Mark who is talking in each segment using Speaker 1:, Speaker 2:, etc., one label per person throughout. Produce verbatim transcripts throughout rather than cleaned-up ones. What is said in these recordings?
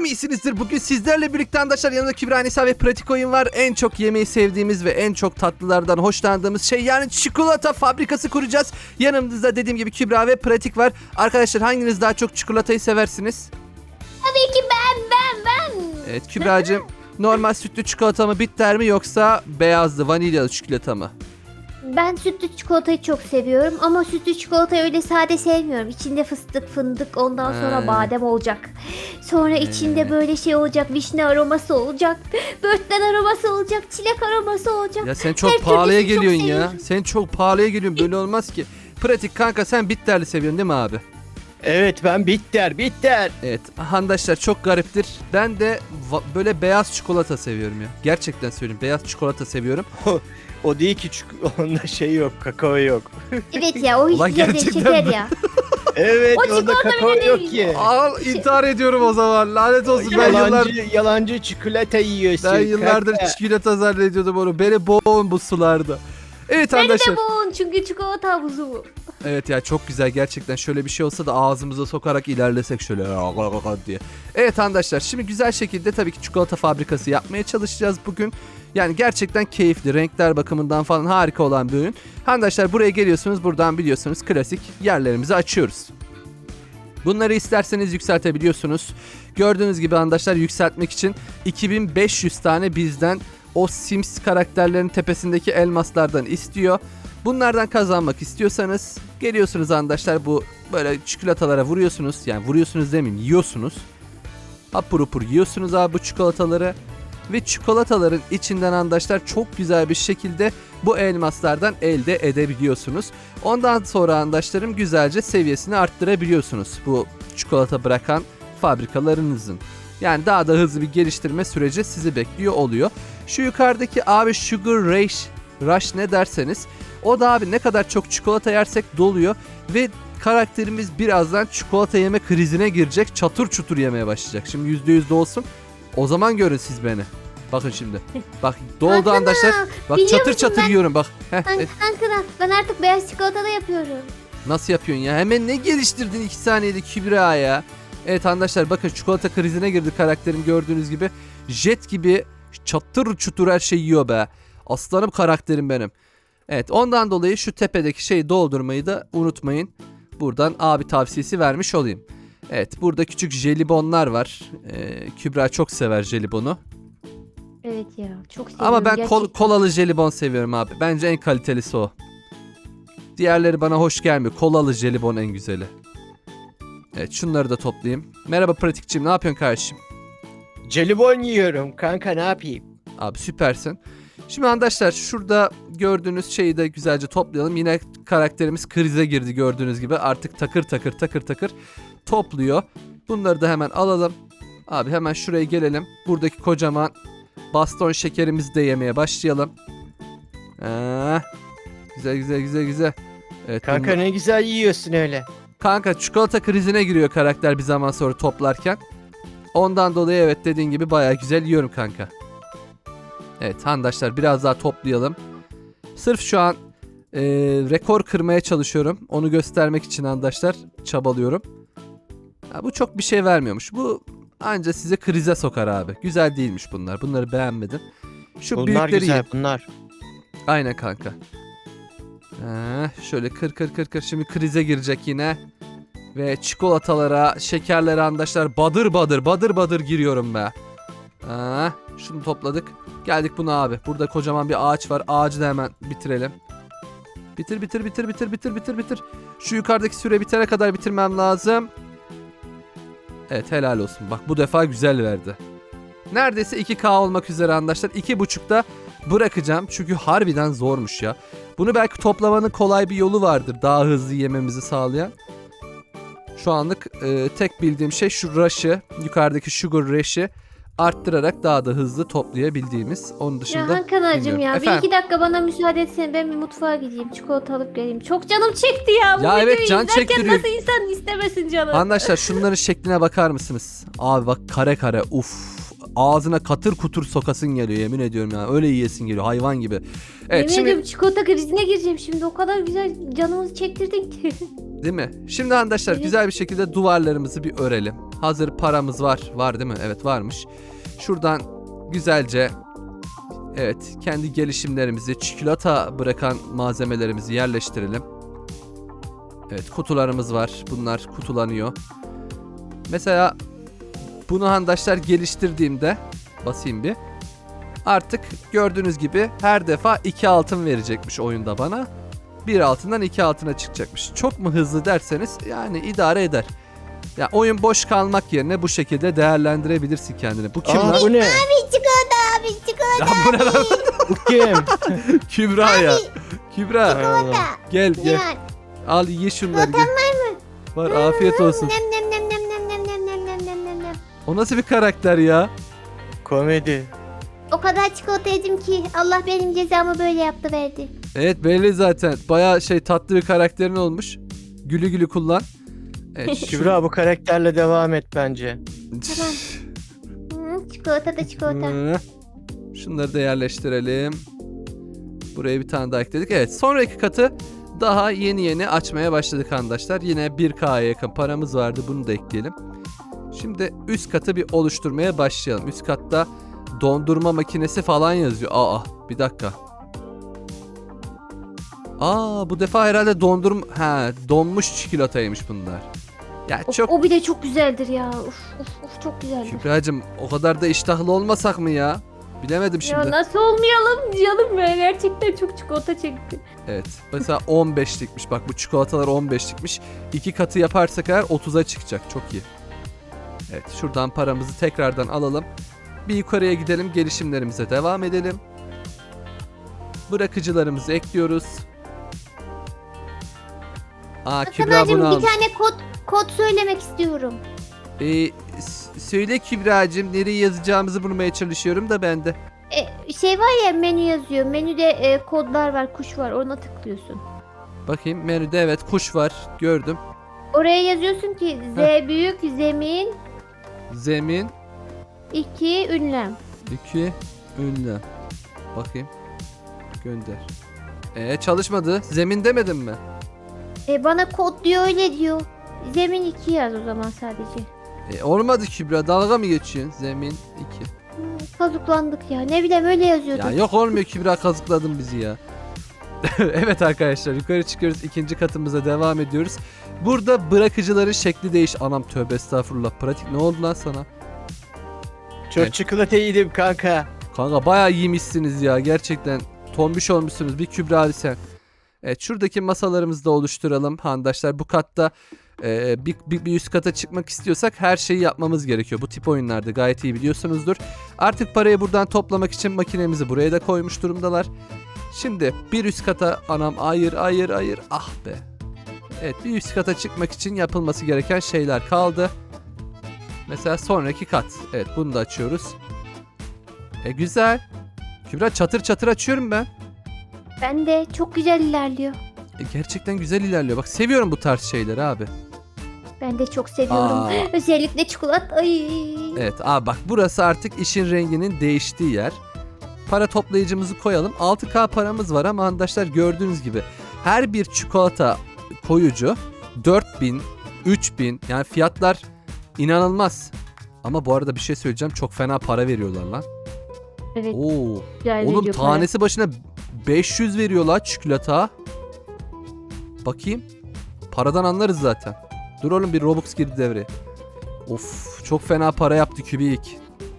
Speaker 1: umarım iyisinizdir. Bugün sizlerle birlikte arkadaşlar yanımda Kübra, Nisa ve Pratik Oyun var. En çok yemeği sevdiğimiz ve en çok tatlılardan hoşlandığımız şey, yani çikolata fabrikası kuracağız. Yanımızda dediğim gibi Kübra ve Pratik var. Arkadaşlar hanginiz daha çok çikolatayı seversiniz?
Speaker 2: Tabii ki ben ben ben.
Speaker 1: Evet Kübra'cığım, normal sütlü çikolata mı bitter mi yoksa beyazlı vanilyalı çikolata mı?
Speaker 2: Ben sütlü çikolatayı çok seviyorum ama sütlü çikolatayı öyle sade sevmiyorum. İçinde fıstık, fındık, ondan sonra
Speaker 1: He.
Speaker 2: badem olacak. Sonra içinde böyle şey olacak, vişne aroması olacak, börtlen aroması olacak, çilek aroması olacak.
Speaker 1: Ya sen çok
Speaker 2: Her
Speaker 1: pahalıya
Speaker 2: türlüsünü çok
Speaker 1: geliyorsun ya.
Speaker 2: seviyorum.
Speaker 1: Sen çok pahalıya geliyorsun, böyle olmaz ki. Pratik kanka, sen bitterli seviyorsun değil mi abi?
Speaker 3: Evet, ben bitter bitter.
Speaker 1: Evet arkadaşlar, çok gariptir. Ben de va- böyle beyaz çikolata seviyorum ya. Gerçekten söyleyeyim, beyaz çikolata seviyorum.
Speaker 3: O değil ki, çünkü onda şey yok, kakao yok.
Speaker 2: Evet ya, o
Speaker 1: Ulan
Speaker 2: hiç güzel
Speaker 1: gerçekten
Speaker 2: şeker
Speaker 1: mi?
Speaker 2: ya.
Speaker 3: Evet,
Speaker 2: O
Speaker 3: onda
Speaker 2: çikolata
Speaker 3: kakao
Speaker 2: bile
Speaker 3: yok
Speaker 2: değil.
Speaker 3: ki.
Speaker 1: Al, intihar ediyorum o zaman. Lanet olsun, ben yıllar
Speaker 3: Yalancı, yalancı çikolata yiyorsun.
Speaker 1: ben yıllardır
Speaker 3: kanka.
Speaker 1: çikolata zannediyordum onu. Beni boğun bu sularda. Evet
Speaker 2: Beni
Speaker 1: arkadaşlar.
Speaker 2: de boğun çünkü çikolata havuzu bu.
Speaker 1: Evet ya, çok güzel gerçekten. Şöyle bir şey olsa da ağzımıza sokarak ilerlesek şöyle diye. Evet arkadaşlar, şimdi güzel şekilde tabii ki çikolata fabrikası yapmaya çalışacağız bugün. Yani gerçekten keyifli, renkler bakımından falan harika olan bir ürün. Arkadaşlar buraya geliyorsunuz, buradan biliyorsunuz klasik yerlerimizi açıyoruz. Bunları isterseniz yükseltebiliyorsunuz. Gördüğünüz gibi arkadaşlar, yükseltmek için iki bin beş yüz tane bizden o Sims karakterlerin tepesindeki elmaslardan istiyor. Bunlardan kazanmak istiyorsanız geliyorsunuz arkadaşlar, bu böyle çikolatalara vuruyorsunuz. Yani vuruyorsunuz demeyeyim, yiyorsunuz. Hapur hapur yiyorsunuz abi bu çikolataları. Ve çikolataların içinden arkadaşlar çok güzel bir şekilde bu elmaslardan elde edebiliyorsunuz. Ondan sonra arkadaşlarım güzelce seviyesini arttırabiliyorsunuz bu çikolata bırakan fabrikalarınızın. Yani daha da hızlı bir geliştirme süreci sizi bekliyor oluyor. Şu yukarıdaki abi Sugar Rush, Rush ne derseniz, o da abi ne kadar çok çikolata yersek doluyor ve karakterimiz birazdan çikolata yeme krizine girecek, çatır çutur yemeye başlayacak. Şimdi yüzde yüz dolsun, o zaman görün siz beni. Bakın şimdi. Bak doldu
Speaker 2: Hakan
Speaker 1: arkadaşlar.
Speaker 2: ağa,
Speaker 1: Bak
Speaker 2: biliyor
Speaker 1: çatır
Speaker 2: musun
Speaker 1: çatır
Speaker 2: ben-
Speaker 1: yiyorum bak. Heh,
Speaker 2: Ben,
Speaker 1: e,
Speaker 2: Kankana, ben artık beyaz çikolata da yapıyorum.
Speaker 1: nasıl yapıyorsun ya? Hemen ne geliştirdin iki saniyede Kübra ya. Evet arkadaşlar, bakın çikolata krizine girdi karakterim, gördüğünüz gibi. Jet gibi çatır çutur her şeyi yiyor be. Aslanım karakterim benim. Evet, ondan dolayı şu tepedeki şeyi doldurmayı da unutmayın. Buradan abi tavsiyesi vermiş olayım. Evet, burada küçük jelibonlar var. Ee, Kübra çok sever jelibonu.
Speaker 2: Evet ya, çok seviyorum
Speaker 1: Ama ben kol,
Speaker 2: gerçekten.
Speaker 1: kolalı jelibon seviyorum abi. Bence en kalitelisi o. Diğerleri bana hoş gelmiyor. Kolalı jelibon en güzeli. Evet, şunları da toplayayım. Merhaba Pratikçiğim, ne yapıyorsun kardeşim?
Speaker 3: Jelibon yiyorum kanka, ne yapayım?
Speaker 1: Abi süpersin. Şimdi arkadaşlar şurada gördüğünüz şeyi de güzelce toplayalım. Yine karakterimiz krize girdi gördüğünüz gibi. Artık takır takır takır takır topluyor. Bunları da hemen alalım. Abi hemen şuraya gelelim. Buradaki kocaman baston şekerimizi de yemeye başlayalım. Ee, güzel güzel güzel güzel. Evet,
Speaker 3: Kanka
Speaker 1: bunu-
Speaker 3: ne güzel yiyorsun öyle.
Speaker 1: Kanka çikolata krizine giriyor karakter bir zaman sonra toplarken. Ondan dolayı evet, dediğin gibi bayağı güzel yiyorum kanka. Evet arkadaşlar, biraz daha toplayalım. Sırf şu an e, rekor kırmaya çalışıyorum. Onu göstermek için arkadaşlar çabalıyorum. Ha, bu çok bir şey vermiyormuş. Bu anca size krize sokar abi. Güzel değilmiş bunlar. Bunları beğenmedim. Şu
Speaker 3: Bunlar
Speaker 1: büyükleri
Speaker 3: güzel,
Speaker 1: yiyin.
Speaker 3: bunlar.
Speaker 1: Aynen kanka. Ee, şöyle kır kır kır kır. Şimdi krize girecek yine. Ve çikolatalara, şekerlere arkadaşlar badır badır badır badır giriyorum be. Ee, şunu topladık. Geldik buna abi. Burada kocaman bir ağaç var. Ağacı da hemen bitirelim. Bitir bitir bitir bitir bitir bitir bitir. Şu yukarıdaki süre bitene kadar bitirmem lazım. Evet, helal olsun. Bak bu defa güzel verdi. Neredeyse iki K olmak üzere arkadaşlar. iki buçukta bırakacağım. Çünkü harbiden zormuş ya. Bunu belki toplamanın kolay bir yolu vardır. Daha hızlı yememizi sağlayan. Şu anlık e, tek bildiğim şey şu rush'ı, yukarıdaki sugar rush'ı arttırarak daha da hızlı toplayabildiğimiz. Onun
Speaker 2: Ya
Speaker 1: dışında
Speaker 2: Hakan'cığım
Speaker 1: bilmiyorum.
Speaker 2: ya, bir
Speaker 1: Efendim?
Speaker 2: iki dakika bana müsaade etsen, ben bir mutfağa gideyim, çikolata alıp geleyim. Çok canım çekti ya. Bu
Speaker 1: Ya evet,
Speaker 2: videoyu
Speaker 1: can
Speaker 2: izlerken
Speaker 1: çektiriyor.
Speaker 2: nasıl insan istemesin canım.
Speaker 1: Arkadaşlar şunların şekline bakar mısınız? Abi bak, kare kare, uf. Ağzına katır kutur sokasın geliyor, yemin ediyorum ya. Öyle yiyesin geliyor, hayvan gibi. Evet
Speaker 2: Yemin
Speaker 1: şimdi
Speaker 2: ediyorum çikolata krizine gireceğim şimdi, o kadar güzel canımızı çektirdin ki.
Speaker 1: Değil mi? Şimdi arkadaşlar
Speaker 2: Evet.
Speaker 1: güzel bir şekilde duvarlarımızı bir örelim. Hazır paramız var. Var değil mi? Evet varmış. Şuradan güzelce evet kendi gelişimlerimizi, çikolata bırakan malzemelerimizi yerleştirelim. Evet kutularımız var. Bunlar kutulanıyor. Mesela bunu arkadaşlar geliştirdiğimde basayım bir. Artık gördüğünüz gibi her defa iki altın verecekmiş oyunda bana. Bir altından iki altına çıkacakmış. Çok mu hızlı derseniz yani idare eder. Ya oyun boş kalmak yerine bu şekilde değerlendirebilirsin kendini. Bu kim
Speaker 3: Aa,
Speaker 1: lan?
Speaker 3: bu ne?
Speaker 2: Abi çikolata abi çikolata.
Speaker 1: Ya bu ne lan?
Speaker 3: Bu kim?
Speaker 1: Kübra ya. Kübra
Speaker 3: Hay Allah.
Speaker 1: gel gel.
Speaker 2: Ya.
Speaker 1: Al ye şunları gel. Var afiyet olsun.
Speaker 2: Nem nem nem nem nem nem nem nem nem nem nem nem.
Speaker 1: O nasıl bir karakter ya?
Speaker 3: Komedi.
Speaker 2: O kadar çikolata yedim ki Allah benim cezamı böyle yaptı verdi.
Speaker 1: Evet belli zaten. Baya şey tatlı bir karakterin olmuş. Gülü gülü kullan. Evet, şu-
Speaker 3: Kübra bu karakterle devam et bence.
Speaker 2: Tamam. Hı, çikolata da çikolata.
Speaker 1: Hı. Şunları da yerleştirelim. Buraya bir tane daha ekledik. Evet sonraki katı daha yeni yeni açmaya başladık arkadaşlar. Yine bir K'ya yakın paramız vardı. Bunu da ekleyelim. Şimdi üst katı bir oluşturmaya başlayalım. Üst katta dondurma makinesi falan yazıyor. Aa bir dakika. Aa bu defa herhalde dondurma... Ha donmuş çikolataymış bunlar. Ya
Speaker 2: Of,
Speaker 1: çok...
Speaker 2: o bile çok güzeldir ya. Uf uf uf çok güzeldir.
Speaker 1: Kübra'cığım o kadar da iştahlı olmasak mı ya? Bilemedim şimdi.
Speaker 2: Ya nasıl olmayalım canım ben gerçekten çok çikolata çekti.
Speaker 1: Evet. Mesela on beşlikmiş. Bak bu çikolatalar on beşlikmiş. İki katı yaparsak eğer otuza çıkacak. Çok iyi. Evet. Şuradan paramızı tekrardan alalım. Bir yukarıya gidelim. Gelişimlerimize devam edelim. Bırakıcılarımızı ekliyoruz. Aa Kübra
Speaker 2: Kaan'cığım
Speaker 1: bunu
Speaker 2: bir
Speaker 1: almış.
Speaker 2: tane kod kod söylemek istiyorum.
Speaker 1: Ee, s- söyle Kübra'cığım nereye yazacağımızı bulmaya çalışıyorum da ben de.
Speaker 2: E, şey var ya menü yazıyor. Menüde e, kodlar var, kuş var. Ona tıklıyorsun.
Speaker 1: Bakayım menüde evet kuş var. Gördüm.
Speaker 2: Oraya yazıyorsun ki Z büyük zemin
Speaker 1: Zemin
Speaker 2: iki ünlem.
Speaker 1: iki ünlem. Bakayım. Gönder. Ee çalışmadı. Zemin demedim mi?
Speaker 2: E, bana kod diyor öyle diyor. Zemin iki yaz o zaman sadece.
Speaker 1: E, olmadı Kübra. Dalga mı geçiyorsun? Zemin iki.
Speaker 2: Hmm, kazıklandık ya. Ne bileyim öyle yazıyordu.
Speaker 1: Ya yok olmuyor Kübra kazıkladın bizi ya. Evet arkadaşlar yukarı çıkıyoruz. İkinci katımıza devam ediyoruz. Burada bırakıcıların şekli değiş. Anam tövbe estağfurullah. Pratik ne oldu lan sana?
Speaker 3: Çok
Speaker 1: Evet.
Speaker 3: çikolata yedim kanka.
Speaker 1: Kanka bayağı iyiymişsiniz ya. Gerçekten tombiş olmuşsunuz. Bir Kübra Ali sen. Evet şuradaki masalarımızı da oluşturalım. Handaşlar bu katta e, bir, bir, bir üst kata çıkmak istiyorsak her şeyi yapmamız gerekiyor. Bu tip oyunlarda gayet iyi biliyorsunuzdur. Artık parayı buradan toplamak için makinemizi buraya da koymuş durumdalar. Şimdi bir üst kata anam hayır hayır hayır ah be. Evet bir üst kata çıkmak için yapılması gereken şeyler kaldı. Mesela sonraki kat. Evet bunu da açıyoruz. E güzel. Kübra çatır çatır açıyorum ben.
Speaker 2: Ben de çok güzel ilerliyor.
Speaker 1: E, gerçekten güzel ilerliyor. Bak seviyorum bu tarz şeyleri abi.
Speaker 2: Ben de çok seviyorum.
Speaker 1: Aa.
Speaker 2: Özellikle çikolata. Ay.
Speaker 1: Evet abi bak burası artık işin renginin değiştiği yer. Para toplayıcımızı koyalım. altı K paramız var ama arkadaşlar gördüğünüz gibi her bir çikolata koyucu dört bin, üç bin yani fiyatlar inanılmaz. Ama bu arada bir şey söyleyeceğim çok fena para veriyorlar lan.
Speaker 2: Evet.
Speaker 1: Oo.
Speaker 2: Güzel
Speaker 1: Oğlum
Speaker 2: veriyor para.
Speaker 1: tanesi başına beş yüz veriyorlar çikolata. Bakayım. Paradan anlarız zaten. Dur oğlum bir Robux girdi devreye. Of çok fena para yaptı Kübik.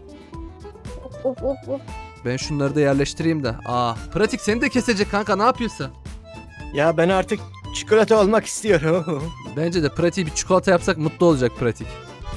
Speaker 2: Of of of.
Speaker 1: Ben şunları da yerleştireyim de. Aa pratik seni de kesecek kanka ne yapıyorsun?
Speaker 3: Ya ben artık çikolata olmak istiyorum.
Speaker 1: Bence de pratiği bir çikolata yapsak mutlu olacak pratik.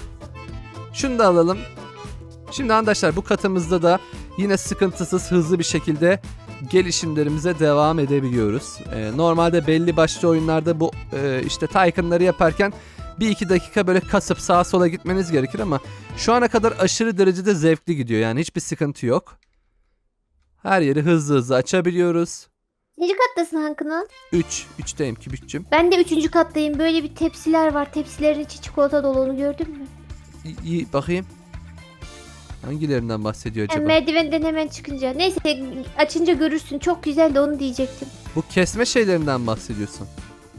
Speaker 1: Şunu da alalım. Şimdi arkadaşlar bu katımızda da yine sıkıntısız hızlı bir şekilde gelişimlerimize devam edebiliyoruz. Ee, normalde belli başlı oyunlarda bu e, işte Tycoon'ları yaparken bir iki dakika böyle kasıp sağa sola gitmeniz gerekir ama şu ana kadar aşırı derecede zevkli gidiyor. Yani hiçbir sıkıntı yok. Her yeri hızlı hızlı açabiliyoruz.
Speaker 2: Kaçıncı kattasın Hankı'nın?
Speaker 1: üç. üçteyim Kübükçüm.
Speaker 2: Ben de üçüncü kattayım. Böyle bir tepsiler var. Tepsilerin içi çikolata dolu, onu gördün mü?
Speaker 1: İyi, iyi bakayım. Hangilerinden bahsediyor
Speaker 2: Yani
Speaker 1: acaba?
Speaker 2: merdivenden hemen çıkınca. Neyse açınca görürsün. Çok güzel de onu diyecektim.
Speaker 1: Bu kesme şeylerinden bahsediyorsun.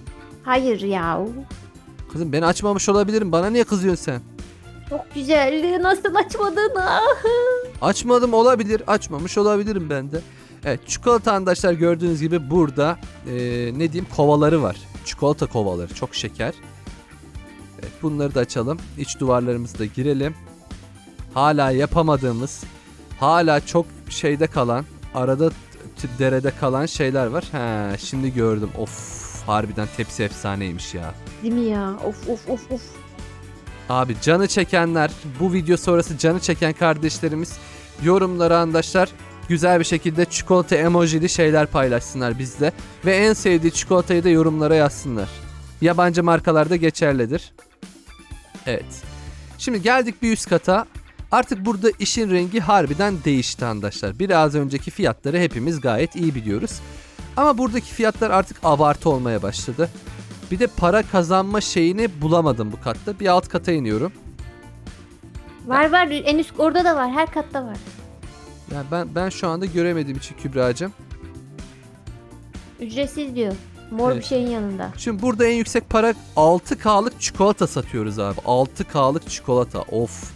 Speaker 2: Hayır ya.
Speaker 1: Kızım ben açmamış olabilirim. Bana niye kızıyorsun sen?
Speaker 2: Çok güzeldi. Nasıl açmadın? Ah.
Speaker 1: Açmadım olabilir. Açmamış olabilirim ben de. Evet, çikolata arkadaşlar gördüğünüz gibi burada e, ne diyeyim kovaları var. Çikolata kovaları. Çok şeker. Evet, bunları da açalım. İç duvarlarımızı da girelim. Hala yapamadığımız, hala çok şeyde kalan, arada t- derede kalan şeyler var. He, şimdi gördüm. Of, harbiden tepsi efsaneymiş ya.
Speaker 2: Değil mi ya? Of of of of.
Speaker 1: Abi canı çekenler, bu video sonrası canı çeken kardeşlerimiz yorumlara arkadaşlar güzel bir şekilde çikolata emojili şeyler paylaşsınlar bizle. Ve en sevdiği çikolatayı da yorumlara yazsınlar. Yabancı markalarda geçerlidir. Evet. Şimdi geldik bir üst kata. Artık burada işin rengi harbiden değişti arkadaşlar. Biraz önceki fiyatları hepimiz gayet iyi biliyoruz. Ama buradaki fiyatlar artık abartı olmaya başladı. Bir de para kazanma şeyini bulamadım bu katta. Bir alt kata iniyorum.
Speaker 2: Var var. En üst orada da var. Her katta var.
Speaker 1: Yani ben ben şu anda göremediğim için Kübra'cığım.
Speaker 2: Ücretsiz diyor. Mor
Speaker 1: Evet.
Speaker 2: bir şeyin yanında.
Speaker 1: Şimdi burada en yüksek para altı K'lık çikolata satıyoruz abi. altı K'lık çikolata. Of.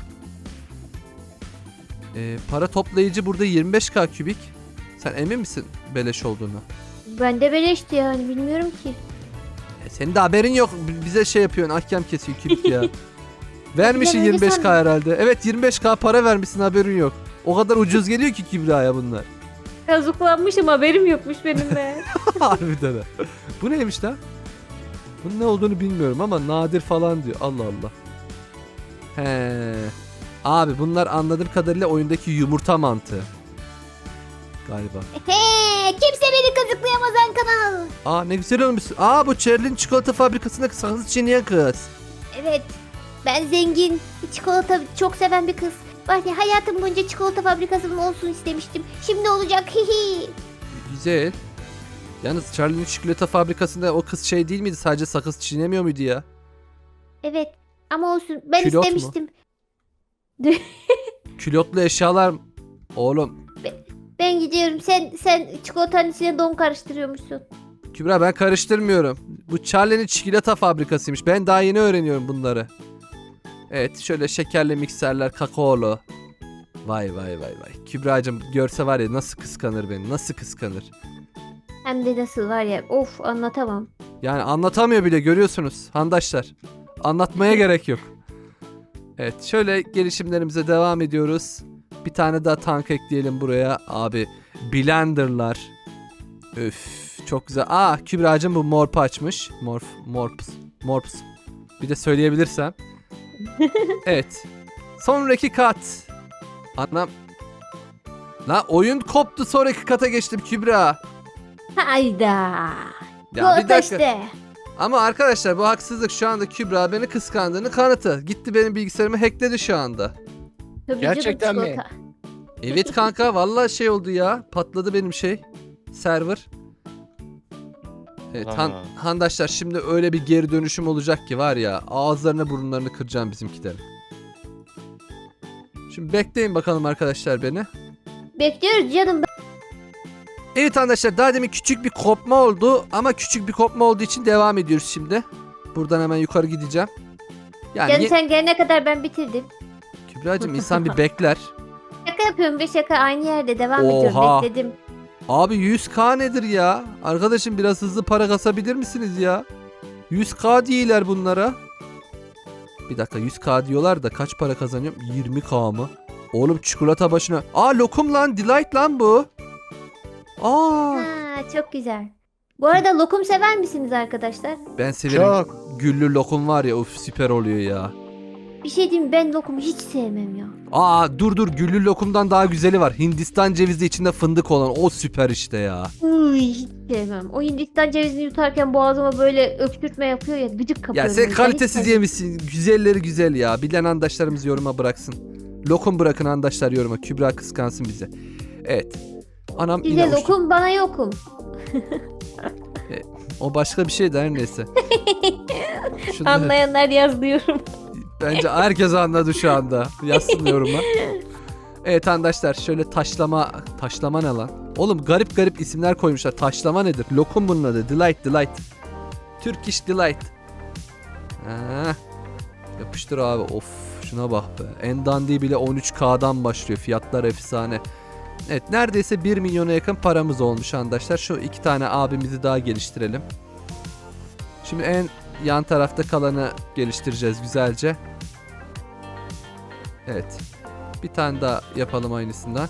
Speaker 1: Ee, para toplayıcı burada yirmi beş K kübik. Sen emin misin beleş olduğunu?
Speaker 2: Bende beleşti yani. Bilmiyorum ki.
Speaker 1: E, senin de haberin yok. B- Bize şey yapıyorsun. Ahkam kesiyor kübik ya. Vermişsin
Speaker 2: öyle
Speaker 1: yirmi beş K
Speaker 2: sandım.
Speaker 1: herhalde. Evet yirmi beş K para vermişsin haberin yok. O kadar ucuz geliyor ki Kübra'ya bunlar.
Speaker 2: Kazıklanmışım, haberim yokmuş benim be.
Speaker 1: Harbiden ha. Bu neymiş lan? Bunun ne olduğunu bilmiyorum ama nadir falan diyor. Allah Allah. He. Abi bunlar anladığım kadarıyla oyundaki yumurta mantığı. Galiba.
Speaker 2: He, kimse beni kazıklayamaz kanal.
Speaker 1: Aa ne güzel olmuş. Aa bu Cherlin çikolata fabrikasında sakız çiğneyen kız.
Speaker 2: Evet. Ben zengin, çikolata çok seven bir kız. Var ya, hayatım boyunca çikolata fabrikasının olsun istemiştim. Şimdi olacak. Hihi.
Speaker 1: Güzel. Yalnız Charlie'nin çikolata fabrikasında o kız şey değil miydi? Sadece sakız çiğnemiyor muydu ya?
Speaker 2: Evet. Ama olsun. Ben
Speaker 1: Külot mu?
Speaker 2: istemiştim.
Speaker 1: Külotlu eşyalar... Oğlum.
Speaker 2: Ben gidiyorum. Sen sen çikolatanın içine don karıştırıyormuşsun.
Speaker 1: Kübra ben karıştırmıyorum. Bu Charlie'nin çikolata fabrikasıymış. Ben daha yeni öğreniyorum bunları. Evet şöyle şekerli mikserler, kakaolu. Vay vay vay vay. Kübra'cığım görse var ya nasıl kıskanır beni. Nasıl kıskanır.
Speaker 2: Hem de nasıl var ya. Of, anlatamam.
Speaker 1: Yani anlatamıyor bile görüyorsunuz handaşlar. Anlatmaya gerek yok. Evet şöyle gelişimlerimize devam ediyoruz. Bir tane daha tank ekleyelim buraya. Abi blenderlar. Üf çok güzel. Aa Kübra'cığım bu morp açmış. Morf, morps, morps. Bir de söyleyebilirsem. Evet. Sonraki kat. Anam. La oyun koptu, sonraki kata geçtim Kübra.
Speaker 2: Hayda.
Speaker 1: Ya bir
Speaker 2: Çikolata
Speaker 1: dakika.
Speaker 2: işte.
Speaker 1: Ama arkadaşlar bu haksızlık, şu anda Kübra beni kıskandığını kanıtı. Gitti benim bilgisayarımı hackledi şu anda.
Speaker 2: Tabii
Speaker 3: Gerçekten
Speaker 2: canım,
Speaker 3: mi?
Speaker 2: çikolata.
Speaker 1: Evet kanka vallahi şey oldu ya. Patladı benim şey. Server. Evet han,
Speaker 3: Aa.
Speaker 1: handaşlar şimdi öyle bir geri dönüşüm olacak ki var ya, ağızlarına burunlarını kıracağım bizimkilerin. Şimdi bekleyin bakalım arkadaşlar beni.
Speaker 2: Bekliyoruz canım.
Speaker 1: Evet arkadaşlar daha demin küçük bir kopma oldu ama küçük bir kopma olduğu için devam ediyoruz şimdi. Buradan hemen yukarı gideceğim. Yani
Speaker 2: Canım
Speaker 1: ye-
Speaker 2: sen gelene kadar ben bitirdim.
Speaker 1: Kübra'cığım insan bir bekler.
Speaker 2: Şaka yapıyorum be, şaka, aynı yerde devam
Speaker 1: Oha.
Speaker 2: ediyorum, bekledim.
Speaker 1: Abi yüz K nedir ya? Arkadaşım biraz hızlı para kasabilir misiniz ya? yüz K diyorlar bunlara. Bir dakika yüz K diyorlar da kaç para kazanıyorum? yirmi K mı? Oğlum çikolata başına. Aa lokum lan, delight lan bu. Aa
Speaker 2: Ha, çok güzel. Bu arada lokum sever misiniz arkadaşlar?
Speaker 1: ben severim.
Speaker 3: Çok.
Speaker 1: Güllü lokum var ya, of süper oluyor ya.
Speaker 2: Bir şey diyeyim mi? Ben lokumu hiç sevmem ya.
Speaker 1: Aa dur dur, güllü lokumdan daha güzeli var. Hindistan cevizi içinde fındık olan, o süper işte ya.
Speaker 2: Uy, hiç sevmem. O Hindistan cevizini yutarken boğazıma böyle öksürtme yapıyor ya, gıcık
Speaker 1: Ya
Speaker 2: kapıyorum.
Speaker 1: sen
Speaker 2: ben, hiç
Speaker 1: kalitesiz
Speaker 2: sevmem.
Speaker 1: yemişsin. Güzelleri güzel ya. Bilen arkadaşlarımız yoruma bıraksın. Lokum bırakın arkadaşlar yoruma. Kübra kıskansın bize. Evet. Anam
Speaker 2: Size
Speaker 1: yine uçtu.
Speaker 2: lokum, bana yokum.
Speaker 1: O başka bir şey de her neyse. Şunu-
Speaker 2: Anlayanlar yazlıyorum.
Speaker 1: Bence herkes anladı şu anda. Yazsın yoruma. Evet arkadaşlar şöyle taşlama. Taşlama ne lan? Oğlum garip garip isimler koymuşlar. Taşlama nedir? Lokum bunun adı. Delight delight. Turkish Delight. Ha. Yapıştır abi. Of şuna bak be. En dandiği bile on üç K'dan başlıyor. Fiyatlar efsane. Evet neredeyse bir milyona yakın paramız olmuş arkadaşlar. Şu iki tane abimizi daha geliştirelim. Şimdi en yan tarafta kalanı geliştireceğiz güzelce. Evet. Bir tane daha yapalım aynısından.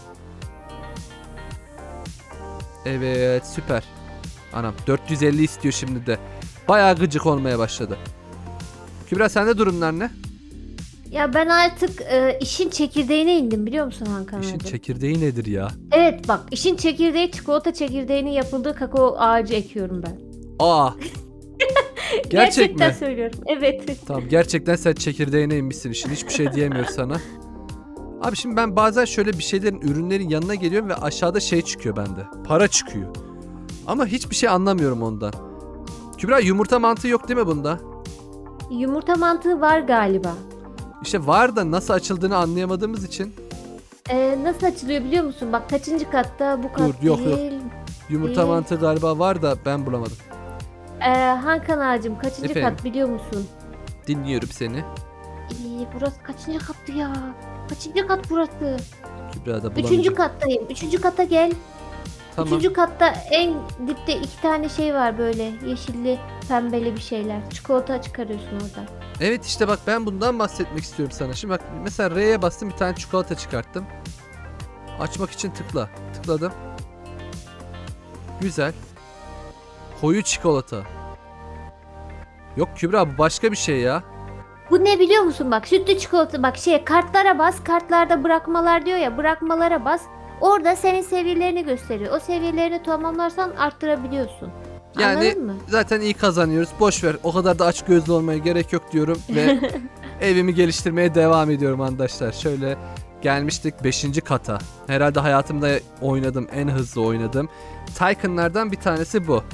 Speaker 1: Evet süper. Anam dört yüz elli istiyor şimdi de. Bayağı gıcık olmaya başladı. Kübra sende durumlar ne?
Speaker 2: Ya ben artık e, işin çekirdeğine indim biliyor musun Hakan
Speaker 1: İşin
Speaker 2: abi?
Speaker 1: çekirdeği nedir ya?
Speaker 2: Evet bak işin çekirdeği çikolata çekirdeğinin yapıldığı kakao ağacı ekiyorum ben.
Speaker 1: Aa. Gerçek
Speaker 2: Gerçekten
Speaker 1: mi?
Speaker 2: söylüyorum. Evet.
Speaker 1: Tamam gerçekten sen çekirdeğine inmişsin işin. Hiçbir şey diyemiyor sana. Abi şimdi ben bazen şöyle bir şeylerin ürünlerin yanına geliyorum ve aşağıda şey çıkıyor bende. Para çıkıyor. Ama hiçbir şey anlamıyorum ondan. Kübra yumurta mantığı yok değil mi bunda?
Speaker 2: Yumurta mantığı var galiba.
Speaker 1: İşte var da nasıl açıldığını anlayamadığımız için.
Speaker 2: Ee, nasıl açılıyor biliyor musun? Bak kaçıncı katta bu kat
Speaker 1: Dur, yok, yok.
Speaker 2: değil.
Speaker 1: Yumurta
Speaker 2: Ee?
Speaker 1: mantığı galiba var da ben bulamadım.
Speaker 2: Ee, Hakan ağacım kaçıncı
Speaker 1: Efendim?
Speaker 2: kat biliyor musun?
Speaker 1: Dinliyorum seni.
Speaker 2: Ee, burası kaçıncı kattı ya? Kaçıncı kat burası?
Speaker 1: Kübra da
Speaker 2: Üçüncü
Speaker 1: bulamayacak.
Speaker 2: kattayım. Üçüncü kata gel.
Speaker 1: Tamam.
Speaker 2: Üçüncü katta en dipte iki tane şey var böyle. Yeşilli, pembeli bir şeyler. Çikolata çıkarıyorsun oradan.
Speaker 1: Evet işte bak ben bundan bahsetmek istiyorum sana. Şimdi bak mesela R'ye bastım bir tane çikolata çıkarttım. Açmak için tıkla. Tıkladım. Güzel. Koyu çikolata. Yok Kübra bu başka bir şey ya.
Speaker 2: Bu ne biliyor musun bak sütlü çikolata bak şey kartlara bas kartlarda bırakmalar diyor ya bırakmalara bas orada senin seviyelerini gösteriyor o seviyelerini tamamlarsan arttırabiliyorsun.
Speaker 1: Yani
Speaker 2: Anladın mı?
Speaker 1: zaten iyi kazanıyoruz. Boş ver. O kadar da aç gözlü olmaya gerek yok diyorum ve evimi geliştirmeye devam ediyorum arkadaşlar. Şöyle gelmiştik beşinci kata. Herhalde hayatımda oynadım en hızlı oynadığım Tycoon'lardan bir tanesi bu.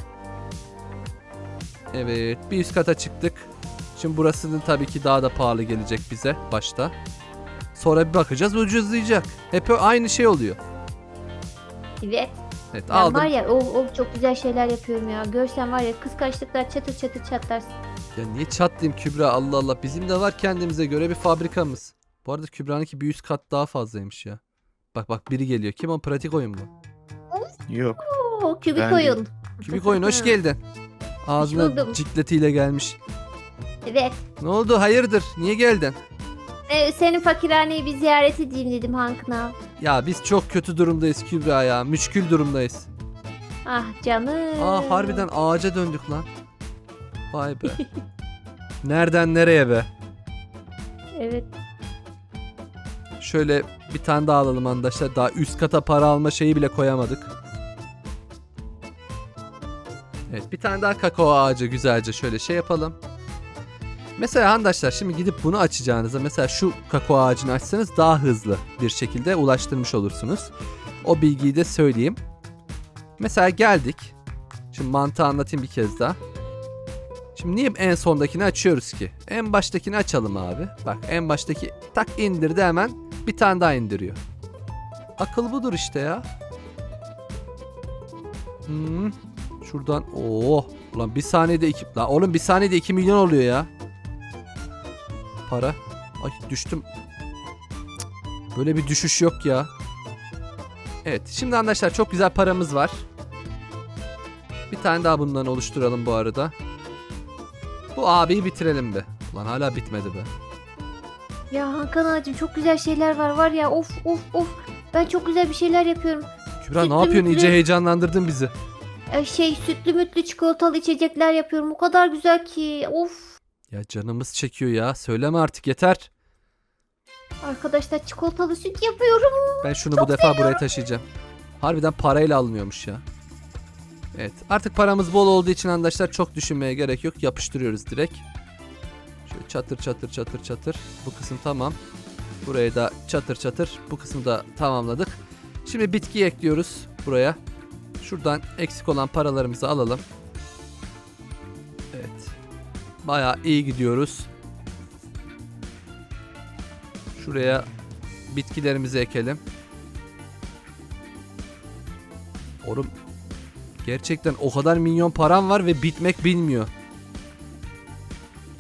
Speaker 1: Evet, bir üst kata çıktık. Şimdi burasının tabii ki daha da pahalı gelecek bize başta. Sonra bir bakacağız ucuzlayacak. Hep aynı şey oluyor.
Speaker 2: Evet.
Speaker 1: Evet
Speaker 2: Ben
Speaker 1: aldım.
Speaker 2: var ya o, o çok güzel şeyler yapıyorum ya. Görsen var ya kıskançlıklar çatır çatır çatlarsın.
Speaker 1: Ya niye çatlayayım Kübra Allah Allah. Bizim de var kendimize göre bir fabrikamız. Bu arada Kübra'nınki bir üst kat daha fazlaymış ya. Bak bak biri geliyor. Kim o? Pratik oyun mu?
Speaker 3: Yok.
Speaker 2: Oo, kübik
Speaker 3: Ben de-
Speaker 2: oyun.
Speaker 1: Kübik oyun hoş geldin. Ağzına
Speaker 2: buldum.
Speaker 1: cikletiyle gelmiş.
Speaker 2: Evet.
Speaker 1: Ne oldu hayırdır? Niye geldin?
Speaker 2: Ee, senin fakirhaneyi bir ziyaret edeyim dedim Hakan abi.
Speaker 1: Ya biz çok kötü durumdayız Kübra ya. Müşkül durumdayız.
Speaker 2: Ah canım.
Speaker 1: Aa harbiden ağaca döndük lan. Vay be. Nereden nereye be?
Speaker 2: Evet.
Speaker 1: Şöyle bir tane daha alalım arkadaşlar. Daha üst kata para alma şeyi bile koyamadık. Evet bir tane daha kakao ağacı güzelce şöyle şey yapalım. Mesela arkadaşlar şimdi gidip bunu açacağınızda mesela şu kakao ağacını açsanız daha hızlı bir şekilde ulaştırmış olursunuz. O bilgiyi de söyleyeyim. Mesela geldik. Şimdi mantığı anlatayım bir kez daha. Şimdi niye en sondakini açıyoruz ki? En baştakini açalım abi. Bak en baştaki tak indirdi hemen bir tane daha indiriyor. Akıl budur işte ya. Hmm. Şuradan oh ulan bir saniyede iki la oğlum bir saniyede iki milyon oluyor ya. Para. Ay düştüm. Cık, böyle bir düşüş yok ya. Evet şimdi arkadaşlar çok güzel paramız var. Bir tane daha bundan oluşturalım bu arada. Bu abiyi bitirelim be. Ulan hala bitmedi be.
Speaker 2: Ya Hakan ağacım çok güzel şeyler var var ya of of of. Ben çok güzel bir şeyler yapıyorum.
Speaker 1: Kübra
Speaker 2: Sütlü
Speaker 1: ne yapıyorsun?
Speaker 2: mütlü.
Speaker 1: İyice heyecanlandırdın bizi.
Speaker 2: Ee, şey sütlü mütlü çikolatalı içecekler yapıyorum. O kadar güzel ki. Of.
Speaker 1: Ya canımız çekiyor ya. Söyleme artık yeter.
Speaker 2: Arkadaşlar çikolatalı süt yapıyorum.
Speaker 1: Ben şunu bu defa buraya taşıyacağım. Harbiden parayla alınıyormuş ya. Evet artık paramız bol olduğu için arkadaşlar çok düşünmeye gerek yok. Yapıştırıyoruz direkt. Şöyle çatır çatır çatır çatır. Bu kısım tamam. Buraya da çatır çatır. Bu kısmı da tamamladık. Şimdi bitki ekliyoruz buraya. Şuradan eksik olan paralarımızı alalım. Evet. Bayağı iyi gidiyoruz. Şuraya bitkilerimizi ekelim. Oğlum gerçekten o kadar milyon param var ve bitmek bilmiyor.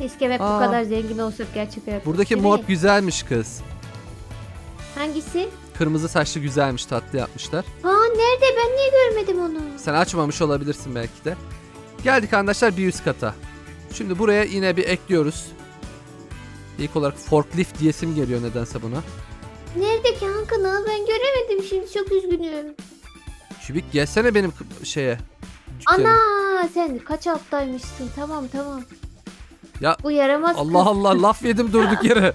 Speaker 2: Keşke hep
Speaker 1: Aa.
Speaker 2: bu kadar zengin olsak gerçek hayatta.
Speaker 1: Buradaki
Speaker 2: Değil mi?
Speaker 1: mod güzelmiş kız.
Speaker 2: Hangisi?
Speaker 1: Kırmızı saçlı güzelmiş, tatlı yapmışlar.
Speaker 2: Aa nerede? Ben niye görmedim onu?
Speaker 1: Sen açmamış olabilirsin belki de. Geldik arkadaşlar bir üst kata. Şimdi buraya yine bir ekliyoruz. İlk olarak forklift diyesim geliyor nedense buna.
Speaker 2: Nerede ki Hakan? Ben göremedim şimdi. Çok üzgünüm.
Speaker 1: Kübik gelsene benim k- şeye. dükkana.
Speaker 2: Ana sen kaç alttaymışsın? Tamam tamam.
Speaker 1: Ya,
Speaker 2: Bu yaramaz
Speaker 1: Allah
Speaker 2: kız.
Speaker 1: Allah laf yedim durduk yere.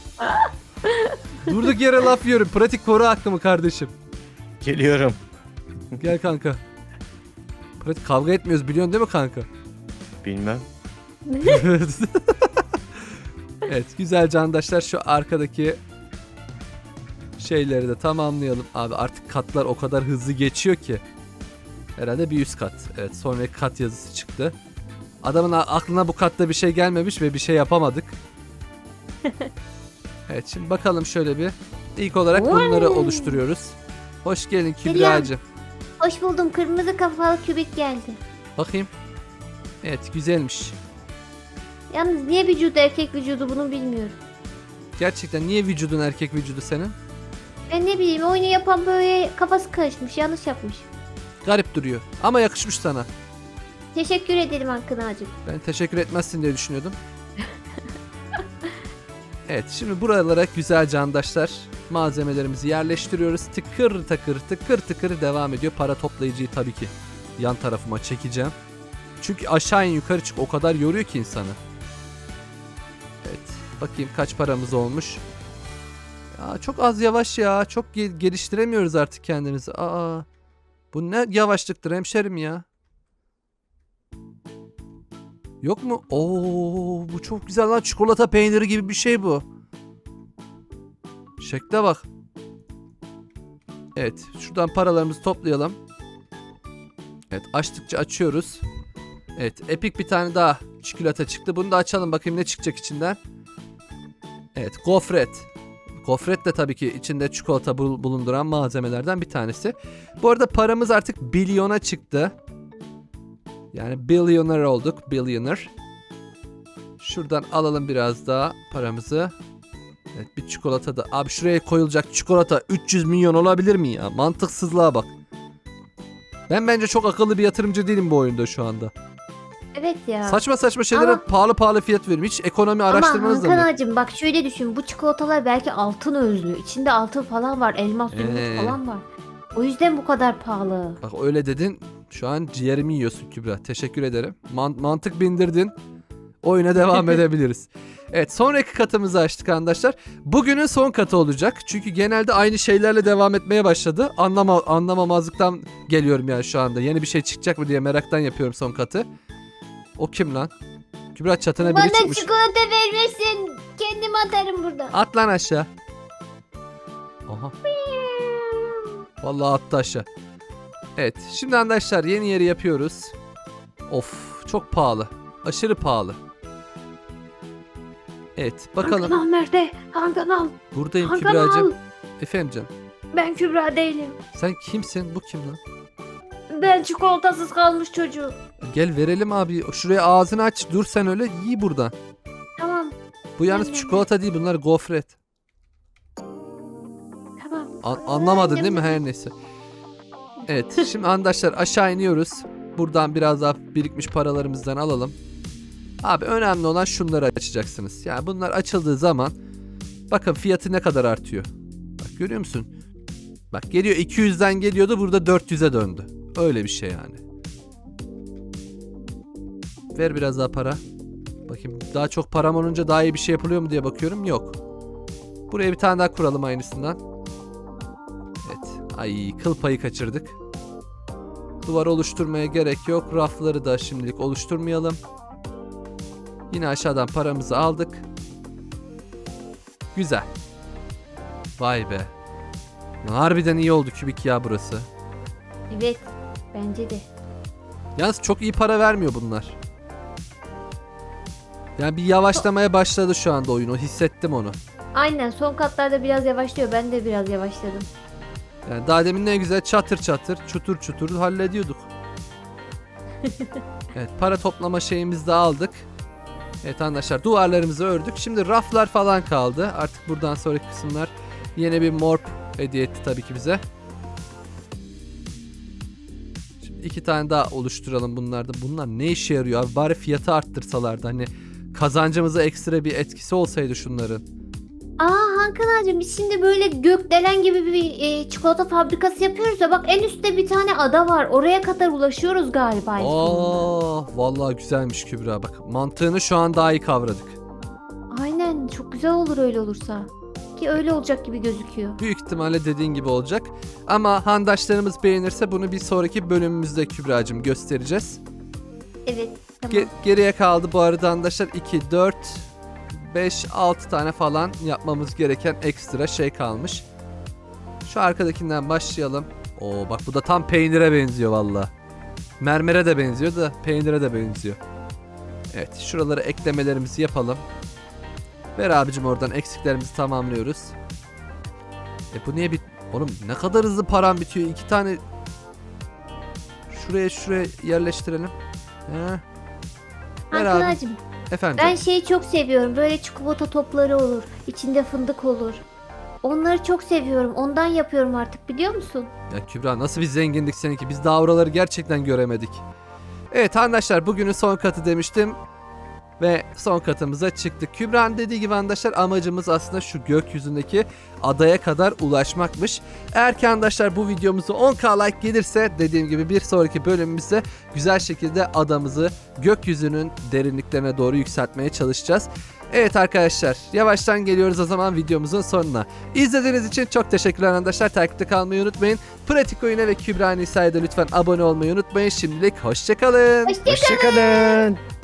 Speaker 1: Durduk yere laf yiyorum. Pratik koru hakkımı kardeşim.
Speaker 3: Geliyorum.
Speaker 1: Gel kanka. Pratik kavga etmiyoruz biliyorsun değil mi kanka?
Speaker 3: Bilmem.
Speaker 1: Evet güzel candaşlar şu arkadaki şeyleri de tamamlayalım. Abi artık katlar o kadar hızlı geçiyor ki. Herhalde bir üst kat. Evet sonraki kat yazısı çıktı. Adamın a- aklına bu katta bir şey gelmemiş ve bir şey yapamadık. Evet şimdi bakalım şöyle bir. İlk olarak bunları oluşturuyoruz. Hoş geldin Kübra'cığım.
Speaker 2: Hoş buldum. Kırmızı kafalı kübik geldi.
Speaker 1: Bakayım. Evet güzelmiş.
Speaker 2: Yalnız niye vücudu erkek vücudu bunu bilmiyorum.
Speaker 1: Gerçekten niye vücudun erkek vücudu senin?
Speaker 2: Ben ne bileyim oyunu yapan böyle kafası karışmış. Yanlış yapmış.
Speaker 1: Garip duruyor. Ama yakışmış sana.
Speaker 2: Teşekkür ederim Hakan ağacım.
Speaker 1: Ben teşekkür etmezsin diye düşünüyordum. Evet şimdi buralara güzel candaşlar malzemelerimizi yerleştiriyoruz. Tıkır takır tıkır tıkır devam ediyor. Para toplayıcıyı tabii ki yan tarafıma çekeceğim. Çünkü aşağı in yukarı çık o kadar yoruyor ki insanı. Evet bakayım kaç paramız olmuş. Ya çok az yavaş ya. Çok ge- geliştiremiyoruz artık kendimizi. Aa, bu ne yavaşlıktır hemşerim ya. Yok mu? Oo, bu çok güzel lan. Çikolata peyniri gibi bir şey bu. Şekle bak. Evet. Şuradan paralarımızı toplayalım. Evet. Açtıkça açıyoruz. Evet. Epik bir tane daha çikolata çıktı. Bunu da açalım. Bakayım ne çıkacak içinden. Evet. Gofret. Gofret de tabii ki içinde çikolata bul- bulunduran malzemelerden bir tanesi. Bu arada paramız artık bilyona çıktı. Yani billionaire olduk. Billionaire. Şuradan alalım biraz daha paramızı. Evet bir çikolata da. Abi şuraya koyulacak çikolata üç yüz milyon olabilir mi ya? Mantıksızlığa bak. Ben bence çok akıllı bir yatırımcı değilim bu oyunda şu anda.
Speaker 2: Evet ya.
Speaker 1: Saçma saçma şeylere
Speaker 2: Ama-
Speaker 1: pahalı pahalı fiyat veriyorum. Hiç ekonomi
Speaker 2: Ama
Speaker 1: araştırmanız da
Speaker 2: Hakan
Speaker 1: mı?
Speaker 2: ağacım bak şöyle düşün. Bu çikolatalar belki altın özlü. İçinde altın falan var. Elmas, zümrüt
Speaker 1: Ee.
Speaker 2: falan var. O yüzden bu kadar pahalı.
Speaker 1: Bak öyle dedin. Şu an ciğerimi yiyorsun Kübra. Teşekkür ederim. Man- mantık bindirdin. Oyuna devam edebiliriz. Evet sonraki katımızı açtık arkadaşlar. Bugünün son katı olacak. Çünkü genelde aynı şeylerle devam etmeye başladı. Anlama anlamamazlıktan geliyorum yani şu anda. Yeni bir şey çıkacak mı diye meraktan yapıyorum son katı. O kim lan? Kübra çatına biri
Speaker 2: Bana
Speaker 1: çıkmış.
Speaker 2: çikolata vermesin. Kendim atarım burada.
Speaker 1: At lan aşağı. Aha. Vallahi attı aşağı. Evet şimdi arkadaşlar yeni yeri yapıyoruz. Of çok pahalı. Aşırı pahalı. Evet bakalım.
Speaker 2: Hakan al nerede? Hakan al.
Speaker 1: Buradayım
Speaker 2: Hakan al.
Speaker 1: Kübra'cığım. Efendim canım.
Speaker 2: Ben Kübra değilim.
Speaker 1: Sen kimsin? Bu kim lan?
Speaker 2: Ben çikolatasız kalmış çocuğum.
Speaker 1: Gel verelim abi. Şuraya ağzını aç. Dur sen öyle. Yiy buradan.
Speaker 2: Tamam.
Speaker 1: Bu yalnız
Speaker 2: Annem.
Speaker 1: çikolata değil. Bunlar gofret.
Speaker 2: Tamam.
Speaker 1: An- anlamadın
Speaker 2: Annem.
Speaker 1: değil mi? Her neyse. Evet. Şimdi arkadaşlar aşağı iniyoruz. Buradan biraz daha birikmiş paralarımızdan alalım. Abi önemli olan şunları açacaksınız. Yani bunlar açıldığı zaman bakın fiyatı ne kadar artıyor. Bak görüyor musun? Bak geliyor iki yüzden geliyordu burada dört yüze döndü. Öyle bir şey yani. Ver biraz daha para. Bakayım daha çok param olunca daha iyi bir şey yapılıyor mu diye bakıyorum. Yok. Buraya bir tane daha kuralım aynısından. Evet. Ay kıl payı kaçırdık. Duvar oluşturmaya gerek yok. Rafları da şimdilik oluşturmayalım. Yine aşağıdan paramızı aldık. Güzel. Vay be. Harbiden iyi oldu kübik ya burası.
Speaker 2: Evet. Bence de.
Speaker 1: Yalnız çok iyi para vermiyor bunlar. Yani bir yavaşlamaya başladı şu anda oyun. O hissettim onu.
Speaker 2: Aynen son katlarda biraz yavaşlıyor. Ben de biraz yavaşladım.
Speaker 1: Yani daha demin ne güzel çatır çatır, çutur çutur hallediyorduk. Evet para toplama şeyimizi de aldık. Evet arkadaşlar duvarlarımızı ördük. Şimdi raflar falan kaldı. Artık buradan sonraki kısımlar yine bir morp hediye etti tabii ki bize. Şimdi iki tane daha oluşturalım bunlardan. Bunlar ne işe yarıyor abi? Bari fiyatı arttırsalardı. Hani kazancımıza ekstra bir etkisi olsaydı şunların.
Speaker 2: Aa Hakan ağacım biz şimdi böyle gökdelen gibi bir e, çikolata fabrikası yapıyoruz ya bak en üstte bir tane ada var. Oraya kadar ulaşıyoruz galiba. en sonunda.
Speaker 1: Aa, vallahi güzelmiş Kübra bak. Mantığını şu an daha iyi kavradık.
Speaker 2: Aynen çok güzel olur öyle olursa. Ki öyle olacak gibi gözüküyor.
Speaker 1: Büyük ihtimalle dediğin gibi olacak. Ama handaşlarımız beğenirse bunu bir sonraki bölümümüzde Kübra'cığım göstereceğiz.
Speaker 2: Evet tamam.
Speaker 1: Ge- geriye kaldı bu arada arkadaşlar iki, dört, beş, altı tane falan yapmamız gereken ekstra şey kalmış. Şu arkadakinden başlayalım. Oo bak bu da tam peynire benziyor valla. Mermere de benziyor da peynire de benziyor. Evet şuralara eklemelerimizi yapalım. Ver abicim oradan eksiklerimizi tamamlıyoruz. E bu niye bit... Oğlum ne kadar hızlı param bitiyor. İki tane... Şuraya şuraya yerleştirelim. He. Ver
Speaker 2: Hakan
Speaker 1: abi.
Speaker 2: ağacım
Speaker 1: Efendim.
Speaker 2: ben şeyi çok seviyorum. Böyle çikolata topları olur. İçinde fındık olur. Onları çok seviyorum. Ondan yapıyorum artık biliyor musun?
Speaker 1: Ya Kübra nasıl bir zenginlik seninki. Biz daha oraları gerçekten göremedik. Evet arkadaşlar bugünün son katı demiştim. Ve son katımıza çıktık. Kübra'nın dediği gibi arkadaşlar amacımız aslında şu gökyüzündeki adaya kadar ulaşmakmış. Eğer ki arkadaşlar bu videomuzu on bin like gelirse dediğim gibi bir sonraki bölümümüzde güzel şekilde adamızı gökyüzünün derinliklerine doğru yükseltmeye çalışacağız. Evet arkadaşlar yavaştan geliyoruz o zaman videomuzun sonuna. İzlediğiniz için çok teşekkürler arkadaşlar. Takipte kalmayı unutmayın. Pratik Oyun'a ve Kübra Nisa'ya da lütfen abone olmayı unutmayın. Şimdilik hoşçakalın.
Speaker 2: Hoşçakalın.
Speaker 3: Hoşçakalın.